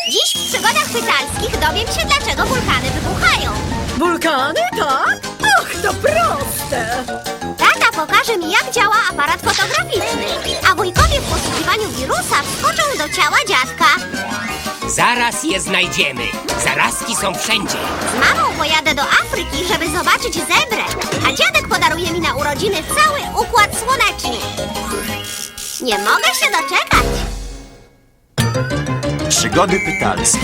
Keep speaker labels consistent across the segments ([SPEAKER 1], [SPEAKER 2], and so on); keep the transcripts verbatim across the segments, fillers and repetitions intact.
[SPEAKER 1] Dziś w przygodach pytalskich dowiem się, dlaczego wulkany wybuchają.
[SPEAKER 2] Wulkany, tak? Och, to proste!
[SPEAKER 1] Tata pokaże mi, jak działa aparat fotograficzny, a wujkowie w poszukiwaniu wirusa wskoczą do ciała dziadka.
[SPEAKER 3] Zaraz je znajdziemy. Zarazki są wszędzie.
[SPEAKER 1] Z mamą pojadę do Afryki, żeby zobaczyć zebrę, a dziadek podaruje mi na urodziny cały układ słoneczny. Nie mogę się doczekać.
[SPEAKER 4] Przygody pytalskie.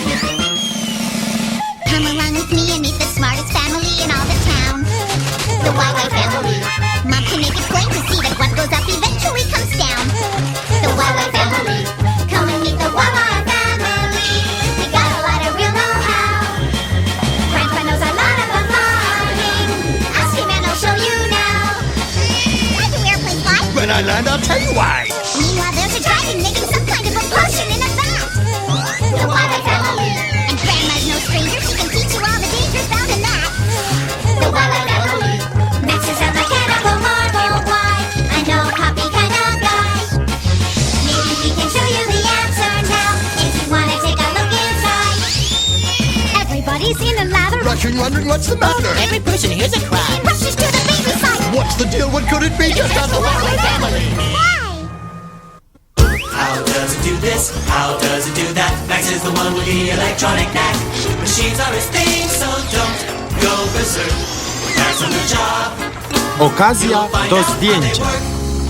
[SPEAKER 5] Come along with me and meet the smartest family in all the town. The Wildlife Family. Mom can make it plain to see that what goes up eventually comes down. The Wildlife Family. Come and meet the Wildlife Family. We got a lot of real know-how. Grandpa knows a lot about flying. Ask him and I'll show you now. Why do airplanes fly?
[SPEAKER 4] When I land, I'll tell you why.
[SPEAKER 5] Meanwhile, there's a dragon making some kind of a potion in a vat. The Wildlife Family. And Grandma's no stranger. She can teach you all the dangers found in that. The Wildlife Family. Max is a mechanical marvel. Why? I know a copy kind of guy. Maybe we can show you the answer now. If you want to take a look inside. Everybody's in a lather.
[SPEAKER 4] Rushing, wondering what's the matter.
[SPEAKER 3] Every person here's a crime.
[SPEAKER 5] Rushes to the baby side.
[SPEAKER 4] What's the deal? What could it be? Just
[SPEAKER 5] It's the Wildlife Family. Why?
[SPEAKER 6] How does it do this? How does it do that? Max is the one with the electronic knack. Machines are his thing, so don't go berserk. Max on the job.
[SPEAKER 4] Okazja
[SPEAKER 6] Find
[SPEAKER 4] do
[SPEAKER 6] out how they
[SPEAKER 4] zdjęcia.
[SPEAKER 6] work.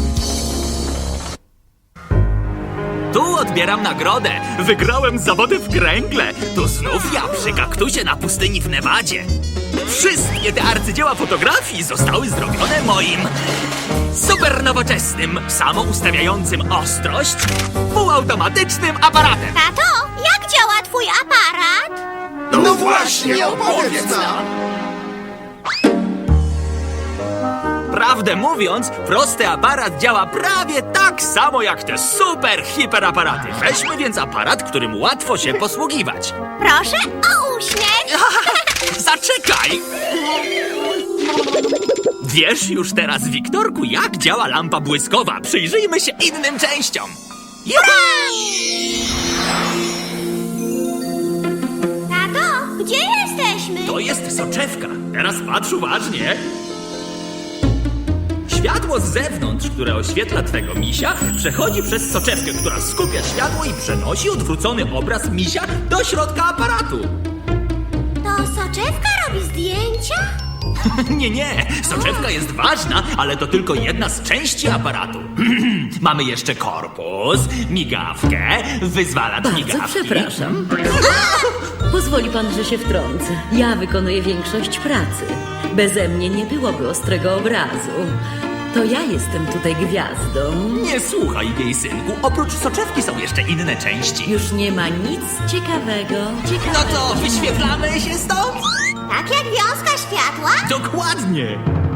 [SPEAKER 7] Tu odbieram nagrodę. Wygrałem zawody w kręgle. To znów ja przy kaktusie na pustyni w Nevadzie. Wszystkie te arcydzieła fotografii zostały zrobione moim super nowoczesnym, samoustawiającym ostrość, półautomatycznym aparatem.
[SPEAKER 1] Tato, jak działa twój aparat?
[SPEAKER 4] No właśnie, opowiedz nam.
[SPEAKER 7] Prawdę mówiąc, prosty aparat działa prawie tak samo jak te super hiperaparaty. Weźmy więc aparat, którym łatwo się posługiwać.
[SPEAKER 1] Proszę o uśmiech.
[SPEAKER 7] Zaczekaj! Wiesz już teraz, Wiktorku, jak działa lampa błyskowa. Przyjrzyjmy się innym częściom. Juhu!
[SPEAKER 1] Tato, gdzie jesteśmy?
[SPEAKER 7] To jest soczewka. Teraz patrz uważnie. Światło z zewnątrz, które oświetla twego misia, przechodzi przez soczewkę, która skupia światło i przenosi odwrócony obraz misia do środka aparatu.
[SPEAKER 1] To soczewka robi zdjęcia?
[SPEAKER 7] Nie, nie, soczewka jest ważna, ale to tylko jedna z części aparatu. Mamy jeszcze korpus, migawkę, wyzwalacz
[SPEAKER 2] Bardzo
[SPEAKER 7] migawki.
[SPEAKER 2] przepraszam. Pozwoli pan, że się wtrącę. Ja wykonuję większość pracy. Beze mnie nie byłoby ostrego obrazu. To ja jestem tutaj gwiazdą.
[SPEAKER 7] Nie słuchaj jej, synku. Oprócz soczewki są jeszcze inne części.
[SPEAKER 2] Już nie ma nic ciekawego.
[SPEAKER 7] No
[SPEAKER 2] Ciekawego.
[SPEAKER 7] to wyświetlamy się stąd?
[SPEAKER 1] Tak jak wiązka światła?
[SPEAKER 7] Dokładnie.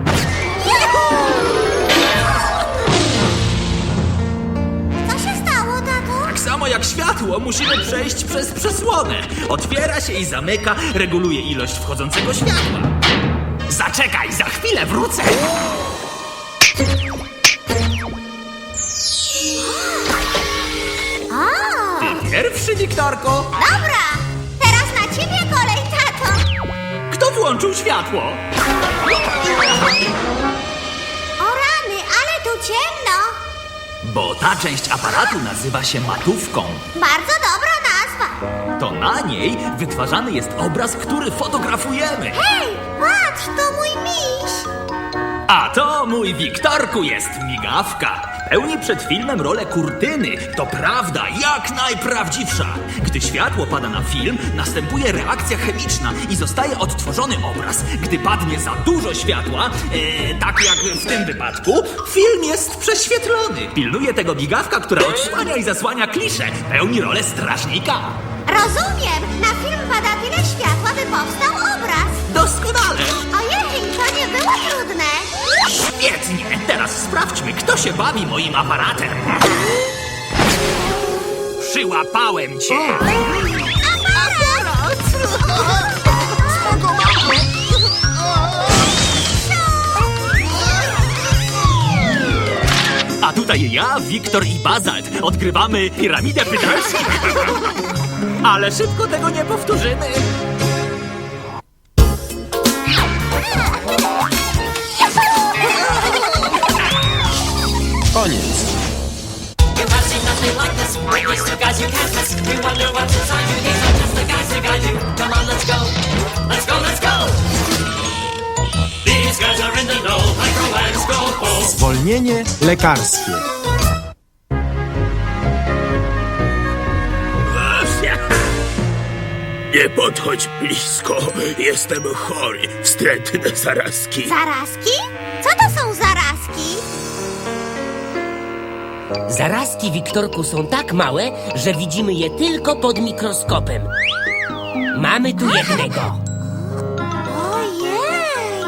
[SPEAKER 1] Co się stało, tato?
[SPEAKER 7] Tak samo jak światło, musimy przejść przez przesłonę. Otwiera się i zamyka, reguluje ilość wchodzącego światła. Zaczekaj, za chwilę wrócę.
[SPEAKER 1] O,
[SPEAKER 7] Ty pierwszy, Wiktorko.
[SPEAKER 1] dobra. Teraz na ciebie kolej, tato.
[SPEAKER 7] Kto włączył światło?
[SPEAKER 1] O rany, ale tu ciemno.
[SPEAKER 7] Bo ta część aparatu nazywa się matówką.
[SPEAKER 1] Bardzo dobra nazwa.
[SPEAKER 7] To na niej wytwarzany jest obraz, który fotografujemy.
[SPEAKER 1] Hej, patrz, to mój miś.
[SPEAKER 7] A to, mój Wiktorku, jest migawka. Pełni przed filmem rolę kurtyny. To prawda, jak najprawdziwsza. Gdy światło pada na film, następuje reakcja chemiczna i zostaje odtworzony obraz. Gdy padnie za dużo światła, e, tak jak w tym wypadku, film jest prześwietlony. Pilnuje tego migawka, która odsłania i zasłania kliszę. Pełni rolę strażnika.
[SPEAKER 1] Rozumiem, na film pada tyle światła, by powstał obraz.
[SPEAKER 7] Doskonale.
[SPEAKER 1] Ojej, to nie było trudne.
[SPEAKER 7] Świetnie! Teraz sprawdźmy, kto się bawi moim aparatem. Przyłapałem cię! A tutaj ja, Wiktor i Bazalt odgrywamy piramidę pytelskich. Ale szybko tego nie powtórzymy.
[SPEAKER 4] Koniec.
[SPEAKER 6] You have seen nothing like this. Witness two guys you can't miss. You wonder what's inside you. These are just the guys who guide you. Come on, let's go. Let's go, let's go. These guys are in the know. Micro and Scopo.
[SPEAKER 4] Zwolnienie lekarskie.
[SPEAKER 8] Nie podchodź blisko. Jestem chory. Wstrętne zarazki.
[SPEAKER 1] Zarazki? Co to są zarazki?
[SPEAKER 3] Zarazki, Wiktorku, są tak małe, że widzimy je tylko pod mikroskopem. Mamy tu jednego.
[SPEAKER 1] Ojej!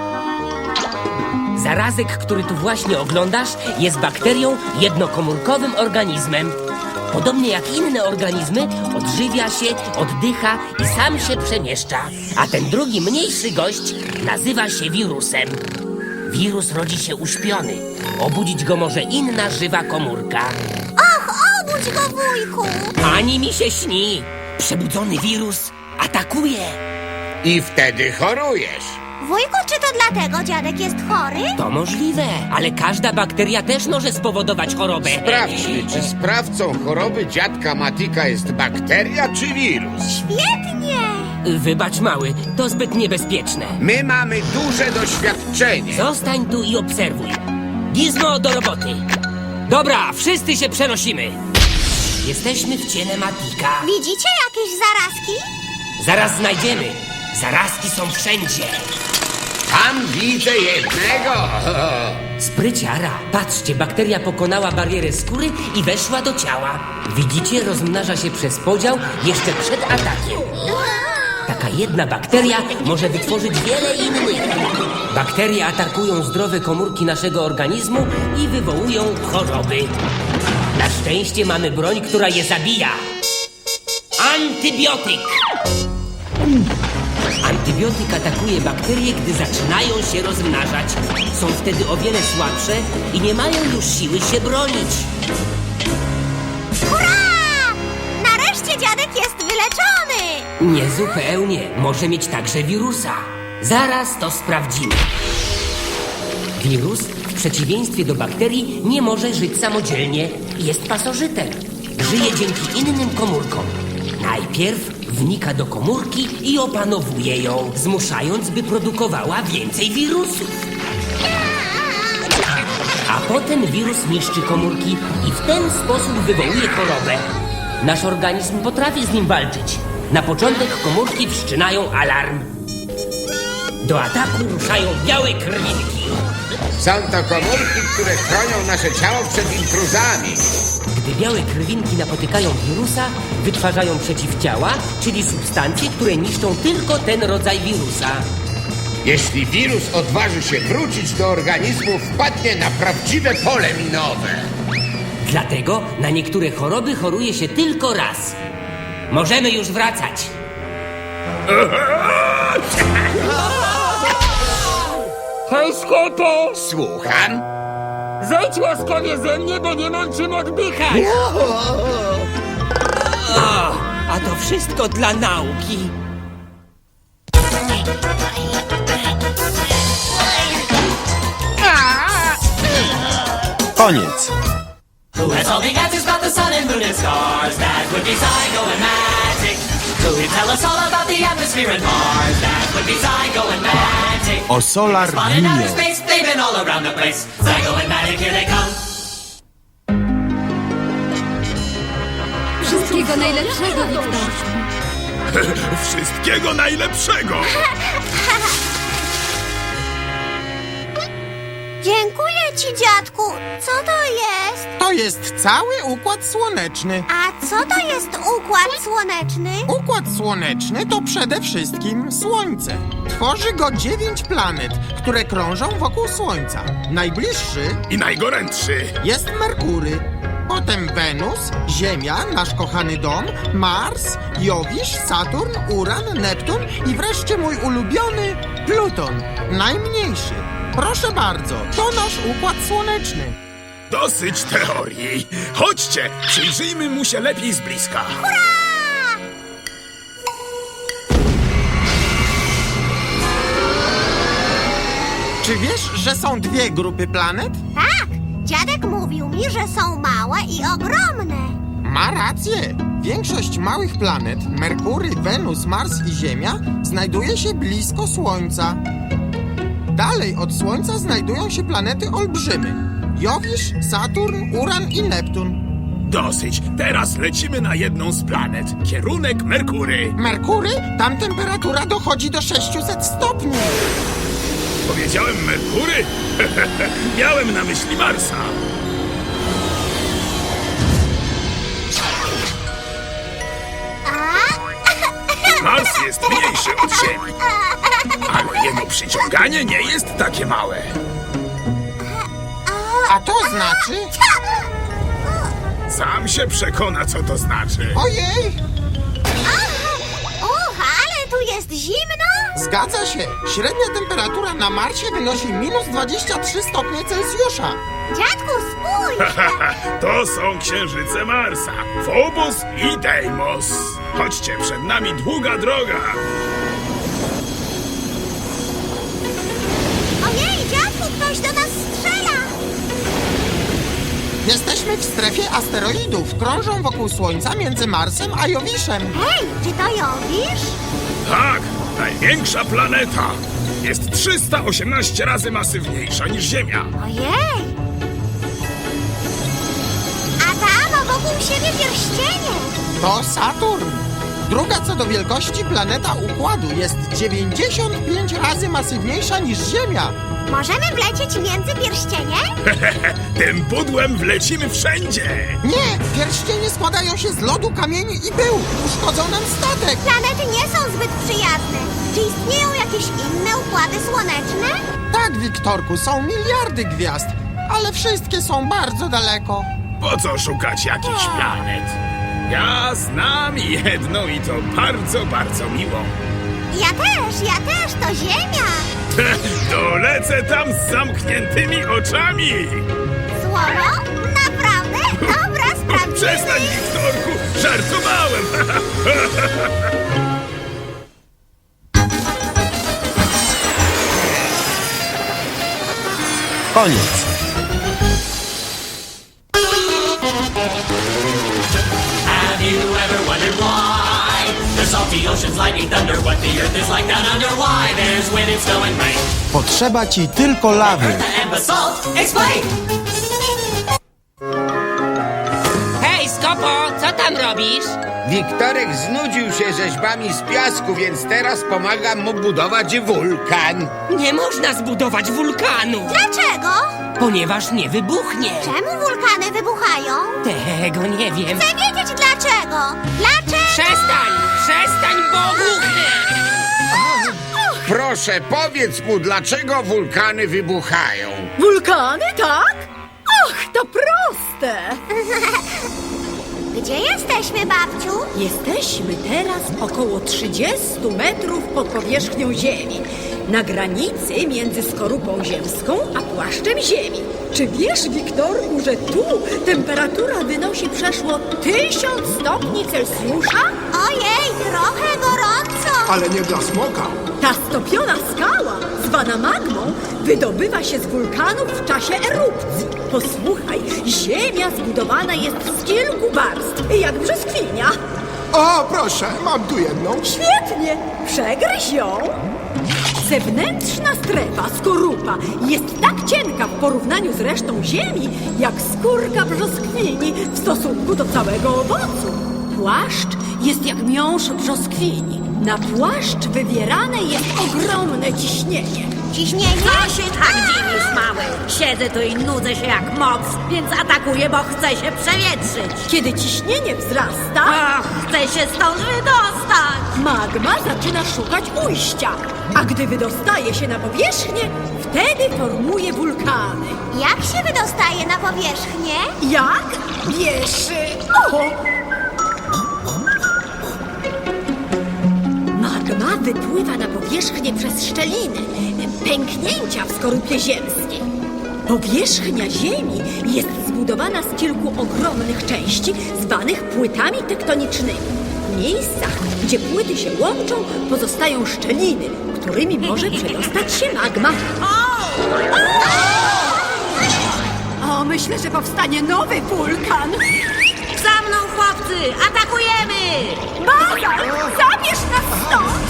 [SPEAKER 3] Zarazek, który tu właśnie oglądasz, jest bakterią jednokomórkowym organizmem. Podobnie jak inne organizmy, odżywia się, oddycha i sam się przemieszcza. A ten drugi, mniejszy gość nazywa się wirusem. Wirus rodzi się uśpiony. Obudzić go może inna żywa komórka.
[SPEAKER 1] Och, obudź go, wujku!
[SPEAKER 3] Ani mi się śni. Przebudzony wirus atakuje.
[SPEAKER 8] I wtedy chorujesz.
[SPEAKER 1] Wujku, czy to dlatego dziadek jest chory?
[SPEAKER 3] To możliwe, ale każda bakteria też może spowodować chorobę.
[SPEAKER 8] Sprawdźmy, czy sprawcą choroby dziadka Matika jest bakteria czy wirus.
[SPEAKER 1] Świetnie!
[SPEAKER 3] Wybacz, mały, to zbyt niebezpieczne.
[SPEAKER 8] My mamy duże doświadczenie.
[SPEAKER 3] Zostań tu i obserwuj. Gizmo, do roboty. Dobra, wszyscy się przenosimy. Jesteśmy w ciele Matika.
[SPEAKER 1] Widzicie jakieś zarazki?
[SPEAKER 3] Zaraz znajdziemy. Zarazki są wszędzie.
[SPEAKER 8] Tam widzę jednego.
[SPEAKER 3] Spryciara. Patrzcie, bakteria pokonała barierę skóry i weszła do ciała. Widzicie, rozmnaża się przez podział jeszcze przed atakiem. Taka jedna bakteria może wytworzyć wiele innych. Bakterie atakują zdrowe komórki naszego organizmu i wywołują choroby. Na szczęście mamy broń, która je zabija. Antybiotyk. Antybiotyk atakuje bakterie, gdy zaczynają się rozmnażać. Są wtedy o wiele słabsze i nie mają już siły się bronić.
[SPEAKER 1] Hurra! Nareszcie dziadek jest wyleczony!
[SPEAKER 3] Niezupełnie. Może mieć także wirusa. Zaraz to sprawdzimy. Wirus, w przeciwieństwie do bakterii, nie może żyć samodzielnie. Jest pasożytem. Żyje dzięki innym komórkom. Najpierw wnika do komórki i opanowuje ją, zmuszając, by produkowała więcej wirusów. A potem wirus niszczy komórki i w ten sposób wywołuje chorobę. Nasz organizm potrafi z nim walczyć. Na początek komórki wszczynają alarm. Do ataku ruszają białe krwinki.
[SPEAKER 8] Są to komórki, które chronią nasze ciało przed intruzami.
[SPEAKER 3] Gdy białe krwinki napotykają wirusa, wytwarzają przeciwciała, czyli substancje, które niszczą tylko ten rodzaj wirusa.
[SPEAKER 8] Jeśli wirus odważy się wrócić do organizmu, wpadnie na prawdziwe pole minowe.
[SPEAKER 3] Dlatego na niektóre choroby choruje się tylko raz. Możemy już wracać. Hej, Skopo!
[SPEAKER 8] Słucham?
[SPEAKER 3] Zejdź łaskawie ze mnie, bo nie mam czym oddychać. O, a to wszystko dla nauki.
[SPEAKER 4] Koniec.
[SPEAKER 6] Who has all the answers about the sun and moon and stars? That would be Zygo and Magic. Who can tell us all about the atmosphere and Mars? That would be Zygo and Magic.
[SPEAKER 4] O Solar
[SPEAKER 6] Spotted outer
[SPEAKER 4] Mio.
[SPEAKER 6] space, they've been all around the place. Zygo and Magic, here they come.
[SPEAKER 9] Wszystkiego najlepszego, Wiktorku.
[SPEAKER 8] Wszystkiego najlepszego.
[SPEAKER 1] Dziękuję ci, dziadku. Co to jest?
[SPEAKER 10] To jest cały Układ Słoneczny.
[SPEAKER 1] A co to jest układ słoneczny?
[SPEAKER 10] Układ Słoneczny to przede wszystkim Słońce. Tworzy go dziewięć planet, które krążą wokół Słońca. Najbliższy
[SPEAKER 8] I najgorętszy.
[SPEAKER 10] jest Merkury, potem Wenus, Ziemia, nasz kochany dom, Mars, Jowisz, Saturn, Uran, Neptun i wreszcie mój ulubiony Pluton, najmniejszy. Proszę bardzo, to nasz Układ Słoneczny.
[SPEAKER 8] Dosyć teorii. Chodźcie, przyjrzyjmy mu się lepiej z bliska.
[SPEAKER 10] Czy wiesz, że są dwie grupy planet?
[SPEAKER 1] Tak, dziadek mówił mi, że są małe i ogromne.
[SPEAKER 10] Ma rację. Większość małych planet, Merkury, Wenus, Mars i Ziemia, znajduje się blisko Słońca. Dalej od Słońca znajdują się planety olbrzymy. Jowisz, Saturn, Uran i Neptun.
[SPEAKER 11] Dosyć. Teraz lecimy na jedną z planet. Kierunek Merkury.
[SPEAKER 10] Merkury? Tam temperatura dochodzi do sześciuset stopni.
[SPEAKER 11] Powiedziałem Merkury? Miałem na myśli Marsa. Mars jest mniejszy od Ziemi, ale jego przyciąganie nie jest takie małe.
[SPEAKER 10] A to znaczy...
[SPEAKER 11] Sam się przekona, co to znaczy.
[SPEAKER 10] Ojej!
[SPEAKER 1] Uch, ale tu jest zimno.
[SPEAKER 10] Zgadza się. Średnia temperatura na Marsie wynosi minus dwadzieścia trzy stopnie Celsjusza.
[SPEAKER 1] Dziadku, spójrz.
[SPEAKER 11] To są księżyce Marsa. Phobos i Deimos. Chodźcie, przed nami długa droga.
[SPEAKER 1] Ojej, dziadku, ktoś do nas strzela.
[SPEAKER 10] Jesteśmy w strefie asteroidów. Krążą wokół Słońca między Marsem a Jowiszem.
[SPEAKER 1] Hej, czy to Jowisz?
[SPEAKER 11] Tak, największa planeta. Jest trzysta osiemnaście razy masywniejsza niż Ziemia.
[SPEAKER 1] Ojej. A tam wokół siebie pierścienie.
[SPEAKER 10] To Saturn. Druga co do wielkości planeta Układu jest dziewięćdziesiąt pięć razy masywniejsza niż Ziemia.
[SPEAKER 1] Możemy wlecieć między pierścienie?
[SPEAKER 11] Tym pudłem wlecimy wszędzie.
[SPEAKER 10] Nie, pierścienie składają się z lodu, kamieni i pyłu. Uszkodzą nam statek.
[SPEAKER 1] Planety nie są zbyt przyjazne. Czy istnieją jakieś inne układy słoneczne?
[SPEAKER 10] Tak, Wiktorku, są miliardy gwiazd, ale wszystkie są bardzo daleko.
[SPEAKER 11] Po co szukać jakichś planet? Ja znam jedną i to bardzo, bardzo miłą.
[SPEAKER 1] Ja też, ja też, to Ziemia.
[SPEAKER 11] Dolecę tam z zamkniętymi oczami.
[SPEAKER 1] Słowo? Naprawdę? Dobra, sprawdzimy.
[SPEAKER 11] Przestań, Wiktorku, żartowałem.
[SPEAKER 4] Koniec.
[SPEAKER 6] Have you ever wondered why? The salty oceans, lightning, thunder, what the earth is like down under. Why there's wind and snow and rain.
[SPEAKER 4] Potrzeba ci tylko lawy.
[SPEAKER 6] And basalt, explain.
[SPEAKER 3] Hej, Skopo, co tam robisz?
[SPEAKER 8] Wiktorek znudził się rzeźbami z piasku, więc teraz pomagam mu budować wulkan.
[SPEAKER 3] Nie można zbudować wulkanu,
[SPEAKER 1] Dlaczego?
[SPEAKER 3] ponieważ nie wybuchnie.
[SPEAKER 1] Czemu wulkany wybuchają?
[SPEAKER 3] Tego nie wiem.
[SPEAKER 1] Chcę wiedzieć dlaczego. Dlaczego?
[SPEAKER 3] Przestań! Przestań, bo wybuchnie!
[SPEAKER 8] Proszę, powiedz mu, dlaczego wulkany wybuchają.
[SPEAKER 9] Wulkany, tak? Och, to proste!
[SPEAKER 1] Gdzie jesteśmy, babciu?
[SPEAKER 9] Jesteśmy teraz około trzydziestu metrów pod powierzchnią Ziemi. Na granicy między skorupą ziemską a płaszczem Ziemi. Czy wiesz, Wiktorku, że tu temperatura wynosi przeszło tysiąc stopni Celsjusza?
[SPEAKER 1] Ojej, trochę gorąco.
[SPEAKER 4] Ale nie dla smoka.
[SPEAKER 9] Ta stopiona skała, zwana magmą, wydobywa się z wulkanów w czasie erupcji. Posłuchaj, Ziemia zbudowana jest z kilku warstw, jak brzoskwinia.
[SPEAKER 4] O, proszę, mam tu jedną.
[SPEAKER 9] Świetnie! Przegryź ją! Zewnętrzna strefa, skorupa, jest tak cienka w porównaniu z resztą Ziemi, jak skórka brzoskwini w stosunku do całego owocu. Płaszcz jest jak miąższ brzoskwini. Na płaszcz wywierane jest ogromne ciśnienie.
[SPEAKER 1] Ciśnienie?
[SPEAKER 2] Co się tak dziwisz, mały? Siedzę tu i nudzę się jak moc, więc atakuję, bo chcę się przewietrzyć.
[SPEAKER 9] Kiedy ciśnienie wzrasta,
[SPEAKER 2] Ach, chcę się stąd wydostać.
[SPEAKER 9] magma zaczyna szukać ujścia, a gdy wydostaje się na powierzchnię, wtedy formuje wulkany.
[SPEAKER 1] Jak się wydostaje na powierzchnię?
[SPEAKER 9] Jak? Wiesz... O! Magma wypływa na powierzchnię przez szczeliny, pęknięcia w skorupie ziemskiej. Powierzchnia Ziemi jest zbudowana z kilku ogromnych części, zwanych płytami tektonicznymi. W miejscach, gdzie płyty się łączą, pozostają szczeliny, którymi może przedostać się magma.
[SPEAKER 2] O!
[SPEAKER 9] O, myślę, że powstanie nowy wulkan.
[SPEAKER 2] Za mną, chłopcy! Atakujemy!
[SPEAKER 9] Bazalt, zabierz nas stąd!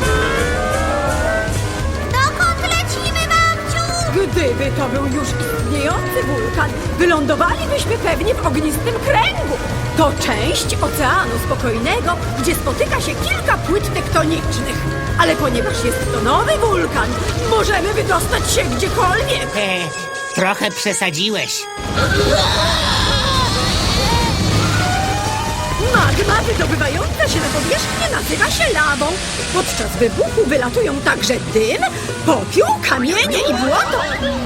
[SPEAKER 1] Dokąd lecimy, babciu?
[SPEAKER 9] Gdyby to był już istniejący wulkan, wylądowalibyśmy pewnie w ognistym kręgu. To część Oceanu Spokojnego, gdzie spotyka się kilka płyt tektonicznych. Ale ponieważ jest to nowy wulkan, możemy wydostać się gdziekolwiek.
[SPEAKER 3] E, trochę przesadziłeś.
[SPEAKER 9] Magma wydobywająca się na powierzchnię nazywa się lawą. Podczas wybuchu wylatują także dym, popiół, kamienie i błoto.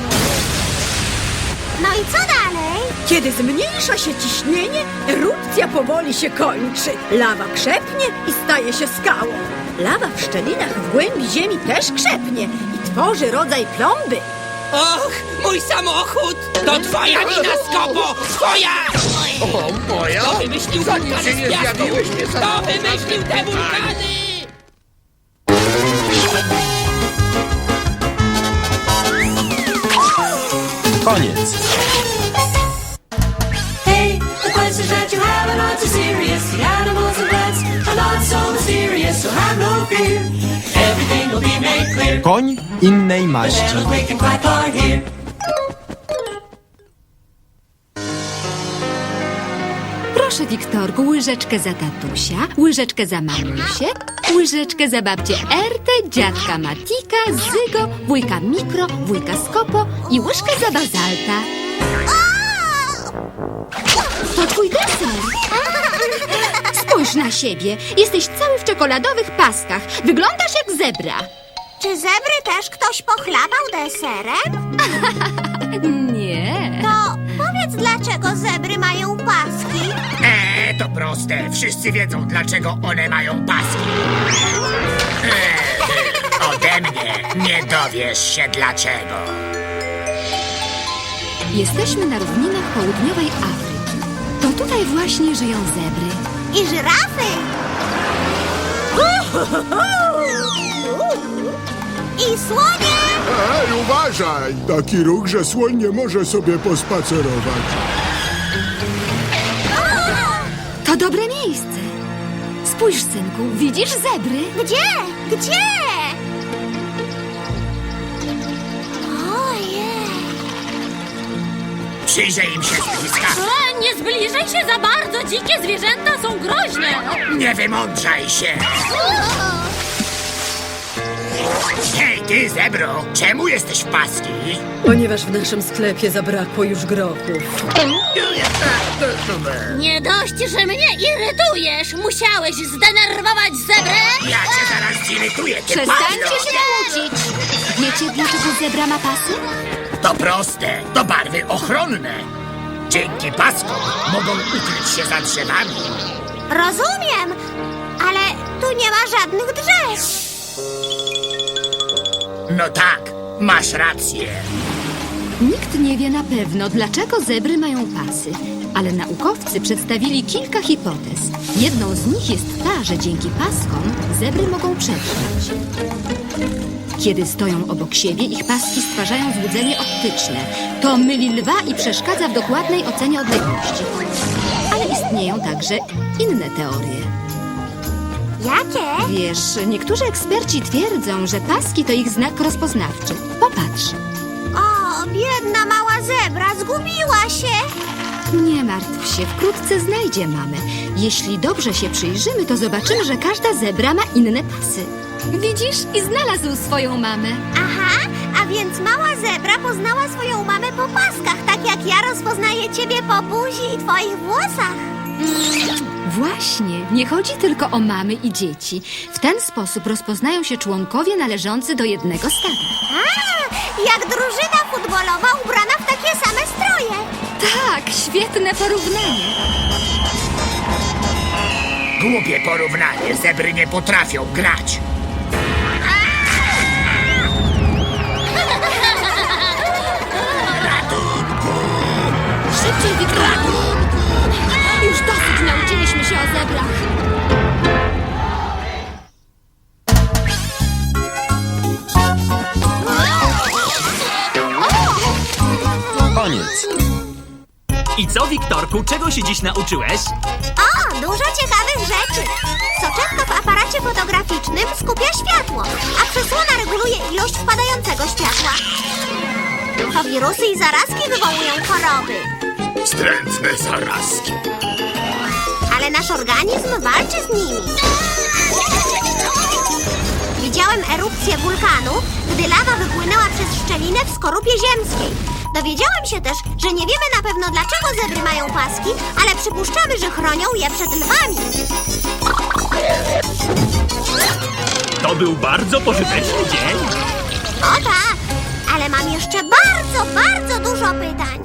[SPEAKER 1] No i co dalej?
[SPEAKER 9] Kiedy zmniejsza się ciśnienie, erupcja powoli się kończy. Lawa krzepnie i staje się skałą. Lawa w szczelinach w głębi ziemi też krzepnie i tworzy rodzaj plomby.
[SPEAKER 3] Och, mój samochód! To twoja wina, Skopo! Twoja!
[SPEAKER 8] O, moja?
[SPEAKER 3] Kto wymyślił
[SPEAKER 8] Zanim
[SPEAKER 3] wulkany
[SPEAKER 8] się nie
[SPEAKER 3] z piasku?
[SPEAKER 8] zjawiłeś, nie
[SPEAKER 3] Kto
[SPEAKER 8] samochód
[SPEAKER 3] wymyślił te wulkany?
[SPEAKER 4] Koniec.
[SPEAKER 6] Hey, the questions that you have are not too serious. The animals and plants are not so mysterious, so have no fear. Everything will be made clear.
[SPEAKER 4] Koń innej maści.
[SPEAKER 6] Animals making quite hard here.
[SPEAKER 12] Proszę, Wiktorku, łyżeczkę za tatusia, łyżeczkę za mamusię, łyżeczkę za babcię Ertę, dziadka Matika, Zygo, wujka Mikro, wujka Skopo i łyżkę za Bazalta. To twój deser. Spójrz na siebie. Jesteś cały w czekoladowych paskach. Wyglądasz jak zebra.
[SPEAKER 1] Czy zebry też ktoś pochlapał deserem?
[SPEAKER 12] Nie.
[SPEAKER 1] To powiedz, dlaczego zebry mają paski?
[SPEAKER 8] Eee, to proste. Wszyscy wiedzą, dlaczego one mają paski. Eee, ode mnie nie dowiesz się dlaczego.
[SPEAKER 12] Jesteśmy na równinach południowej Afryki. To tutaj właśnie żyją zebry.
[SPEAKER 1] I żyrafy? I słonie?
[SPEAKER 11] Ej, uważaj! Taki ruch, że słoń nie może sobie pospacerować.
[SPEAKER 12] To dobre miejsce. Spójrz, synku, widzisz zebry?
[SPEAKER 1] Gdzie? Gdzie? Ojej!
[SPEAKER 8] Przyjrzyj im się z bliska.
[SPEAKER 2] A, nie zbliżaj się za bardzo, dzikie zwierzęta są groźne.
[SPEAKER 8] Nie wymądrzaj się. Hej, ty, zebro, czemu jesteś w paski?
[SPEAKER 9] Ponieważ w naszym sklepie zabrakło już grochów.
[SPEAKER 2] Nie dość, że mnie irytujesz. Musiałeś zdenerwować zebrę?
[SPEAKER 8] Ja cię zaraz zirytuję, ty
[SPEAKER 12] Przestańcie
[SPEAKER 8] pazno.
[SPEAKER 12] się kłócić. Wiecie, dlaczego zebra ma pasy?
[SPEAKER 8] To proste, to barwy ochronne. Dzięki paskom mogą ukryć się za drzewami.
[SPEAKER 1] Rozumiem, ale tu nie ma żadnych drzew.
[SPEAKER 8] No tak, masz rację.
[SPEAKER 12] Nikt nie wie na pewno, dlaczego zebry mają pasy, ale naukowcy przedstawili kilka hipotez. Jedną z nich jest ta, że dzięki paskom zebry mogą przetrwać. Kiedy stoją obok siebie, ich paski stwarzają złudzenie optyczne. To myli lwa i przeszkadza w dokładnej ocenie odległości. Ale istnieją także inne teorie.
[SPEAKER 1] Jakie?
[SPEAKER 12] Wiesz, niektórzy eksperci twierdzą, że paski to ich znak rozpoznawczy. Popatrz.
[SPEAKER 1] O, biedna mała zebra, zgubiła się.
[SPEAKER 12] Nie martw się, wkrótce znajdzie mamę. Jeśli dobrze się przyjrzymy, to zobaczymy, że każda zebra ma inne pasy. Widzisz? I znalazł swoją mamę.
[SPEAKER 1] Aha, a więc mała zebra poznała swoją mamę po paskach, tak jak ja rozpoznaję ciebie po buzi i twoich włosach.
[SPEAKER 12] Właśnie, nie chodzi tylko o mamy i dzieci. W ten sposób rozpoznają się członkowie należący do jednego stada.
[SPEAKER 1] A, jak drużyna futbolowa ubrana w takie same stroje.
[SPEAKER 12] Tak, świetne porównanie.
[SPEAKER 8] Głupie porównanie, zebry nie potrafią grać. Ratunku!
[SPEAKER 12] Szybciej, Wiktorku! Już dosyć nauczyliśmy się o zebrach.
[SPEAKER 7] I co, Wiktorku, czego się dziś nauczyłeś?
[SPEAKER 1] O, dużo ciekawych rzeczy. Soczewka w aparacie fotograficznym skupia światło, a przysłona reguluje ilość wpadającego światła. To wirusy i zarazki wywołują choroby.
[SPEAKER 11] Wstrętne zarazki.
[SPEAKER 1] Ale nasz organizm walczy z nimi. Widziałem erupcję wulkanu, gdy lawa wypłynęła przez szczelinę w skorupie ziemskiej. Dowiedziałem się też, że nie wiemy na pewno, dlaczego zebry mają paski, ale przypuszczamy, że chronią je przed lwami.
[SPEAKER 7] To był bardzo pożyteczny dzień.
[SPEAKER 1] O tak, ale mam jeszcze bardzo, bardzo dużo pytań.